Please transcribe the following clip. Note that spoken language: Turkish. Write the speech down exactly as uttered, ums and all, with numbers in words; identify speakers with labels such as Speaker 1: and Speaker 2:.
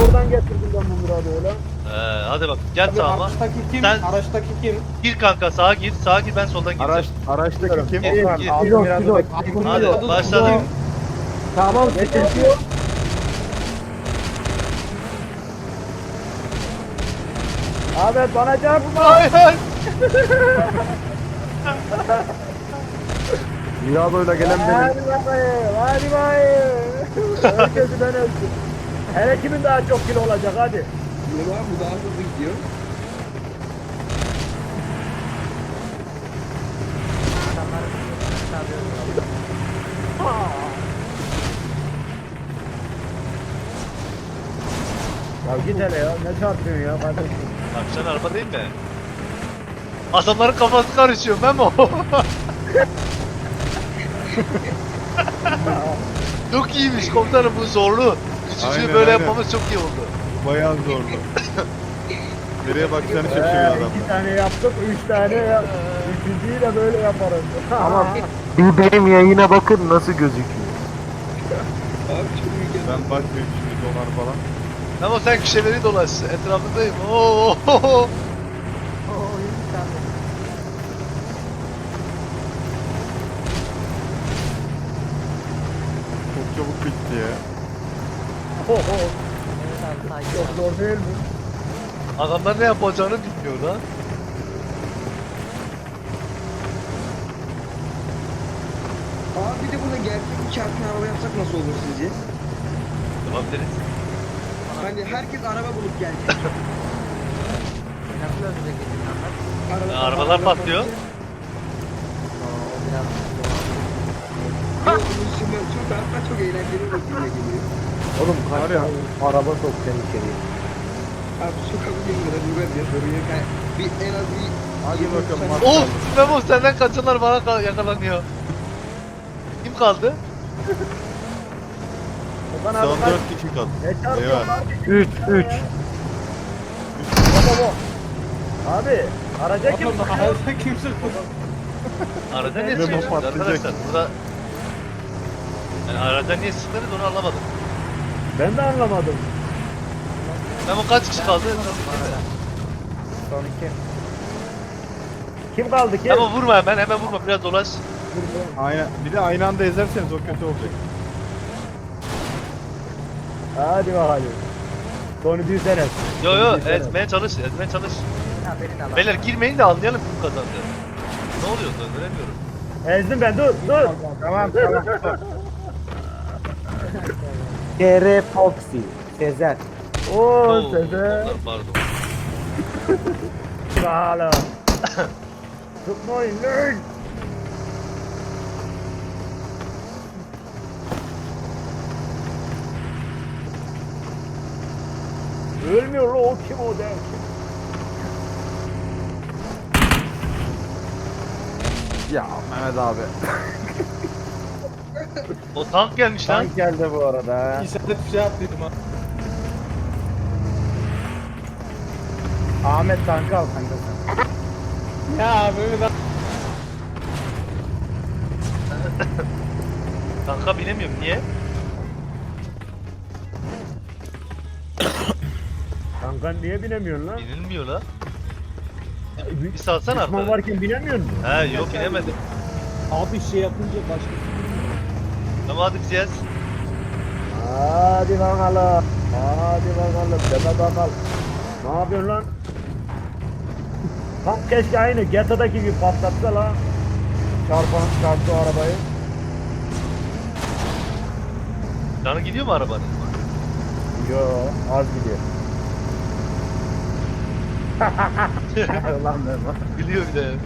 Speaker 1: oradan getirdim ben bu Murat'ı öyle.
Speaker 2: Ee, hadi bak gel
Speaker 3: Abi
Speaker 2: sağıma.
Speaker 3: araçtaki kim?
Speaker 2: Sen-
Speaker 3: Araçtaki kim?
Speaker 2: Gir kanka sağa gir. Sağa gir ben soldan
Speaker 4: Araç,
Speaker 2: gireceğim.
Speaker 4: araçtaki kim?
Speaker 2: Gir,
Speaker 4: Okan,
Speaker 2: gir.
Speaker 4: altı
Speaker 1: Pilot,
Speaker 4: miradodaki
Speaker 1: pilot.
Speaker 4: kim?
Speaker 2: Hadi
Speaker 3: Pilot.
Speaker 2: başladık.
Speaker 1: Tamam sıkıntı yok. Ahmet bana çarpma.
Speaker 2: Hayır hayır.
Speaker 4: Mirado'yla gelen benim.
Speaker 1: Hadi bakayım, hadi bakayım. Herkesi ben öldüm. Hele kimin daha çok kilo olacak hadi.
Speaker 3: Yok abi bu daha hızlı gidiyor.
Speaker 1: Ya git hele ya, ne çarpıyorsun ya kardeşim?
Speaker 2: Bak sen araba değil mi? Adamların kafası karışıyor Memo. Çok iyiymiş komutanım bu zorlu. Üçüncüyü
Speaker 4: Aynen,
Speaker 2: böyle
Speaker 4: aynen.
Speaker 2: yapmamız çok iyi oldu.
Speaker 4: Bayağı zorlu. Nereye bakacağını
Speaker 1: Ee,
Speaker 4: şaşırıyor adam.
Speaker 1: iki tane yaptık, üç tane ya. Üçüncüyü de böyle yaparız.
Speaker 5: Ama bir benim yayına bakın nasıl gözüküyor.
Speaker 3: Abi çok mükemmel.
Speaker 4: Ben bakmıyorum şimdi dolar falan.
Speaker 2: Memo sen kişileri dolaş. Etrafındayım. Oo. oo, oo.
Speaker 4: Çok çabuk bitti ya.
Speaker 1: Çok zor değil mi?
Speaker 2: Adamlar ne yapacağını bilmiyor lan.
Speaker 3: Abi bir de burada gerçek bir çarpma araba yapsak nasıl olur sizce?
Speaker 2: Yapabiliriz.
Speaker 3: Hani herkes araba bulup gelecek.
Speaker 6: Nasıl ölecek insanlar?
Speaker 3: Araba,
Speaker 2: Ya, arabalar patlıyor.
Speaker 6: O biraz
Speaker 3: Yok, bunun simülasyonu da hatta çok eğlenceli bir filme geliyor.
Speaker 1: Oğlum
Speaker 4: Var
Speaker 1: kaç
Speaker 4: ya.
Speaker 1: tane araba sokacaksın içeriye.
Speaker 3: Abi sokabilir mi? Ruben diye soruyor. Yani bir en az bir...
Speaker 4: Hadi
Speaker 3: yirmi
Speaker 4: bakalım,
Speaker 3: saniye-
Speaker 4: hadi.
Speaker 2: Of Memo senden kaçanlar bana kal- yakalanıyor. Kim kaldı?
Speaker 1: Okan abi
Speaker 4: Son
Speaker 1: kaç?
Speaker 4: dört kişi kaldı.
Speaker 1: Ne çarpıyorsun
Speaker 4: Eyvah.
Speaker 1: abi?
Speaker 5: üç üç.
Speaker 1: Baba bu. Abi araca kim
Speaker 3: Oğlum,
Speaker 1: sıkıyor?
Speaker 3: arada kimse
Speaker 2: Arada niye
Speaker 4: Memo
Speaker 2: sıkıyorsunuz
Speaker 4: patlayacak.
Speaker 2: arkadaşlar? Burada... Yani arada niye sıktınız onu anlamadım.
Speaker 1: Ben de anlamadım.
Speaker 2: Memo kaç kişi kaldı?
Speaker 1: Son iki. Kim kaldı ki?
Speaker 2: Memo vurma hemen hemen vurma biraz dolaş.
Speaker 4: Aynen. Bir de aynı anda ezerseniz o kötü olacak.
Speaker 1: Hadi bakalım. Sonu bir sene.
Speaker 2: Yo yo ezmeye çalış ezmeye çalış.
Speaker 6: ha beni de al.
Speaker 2: Beyler girmeyin de anlayalım kim kazandı. Ne oluyor döndüremiyorum.
Speaker 1: Ezdim ben dur dur.
Speaker 4: Tamam tamam.
Speaker 5: Kere Foxy. Sezer.
Speaker 1: Oo
Speaker 2: Oo,
Speaker 1: sese.
Speaker 2: Pardon.
Speaker 1: Hala. Tutmayın lan. Ölmüyor lan o kim o der.
Speaker 4: Ya Mehmet abi.
Speaker 2: O tank gelmiş lan.
Speaker 1: Tank geldi bu arada.
Speaker 3: İşaret bir şey yaptıydım ha.
Speaker 1: Ahmet tankı al kanka sen.
Speaker 3: Ya böyle de...
Speaker 2: Tanka binemiyorum niye?
Speaker 1: Kanka niye binemiyorsun lan?
Speaker 2: Binilmiyor la.
Speaker 1: Bir,
Speaker 2: Bir salsana
Speaker 1: Düşman
Speaker 2: artık.
Speaker 1: varken binemiyor musun?
Speaker 2: He yok binemedim.
Speaker 3: Abi şey yapınca başka...
Speaker 2: Ama hadi bizi yaz.
Speaker 1: Hadi bakalım. Hadi bakalım. Deme bakalım. Ne yapıyorsun lan? Tam keşke aynı G T A'daki gibi patlatsa lan. Çarpan çarptı o arabayı.
Speaker 2: Canı gidiyor mu arabanın?
Speaker 1: Yo az gidiyor. Lan Memo.
Speaker 2: Gülüyor bir de.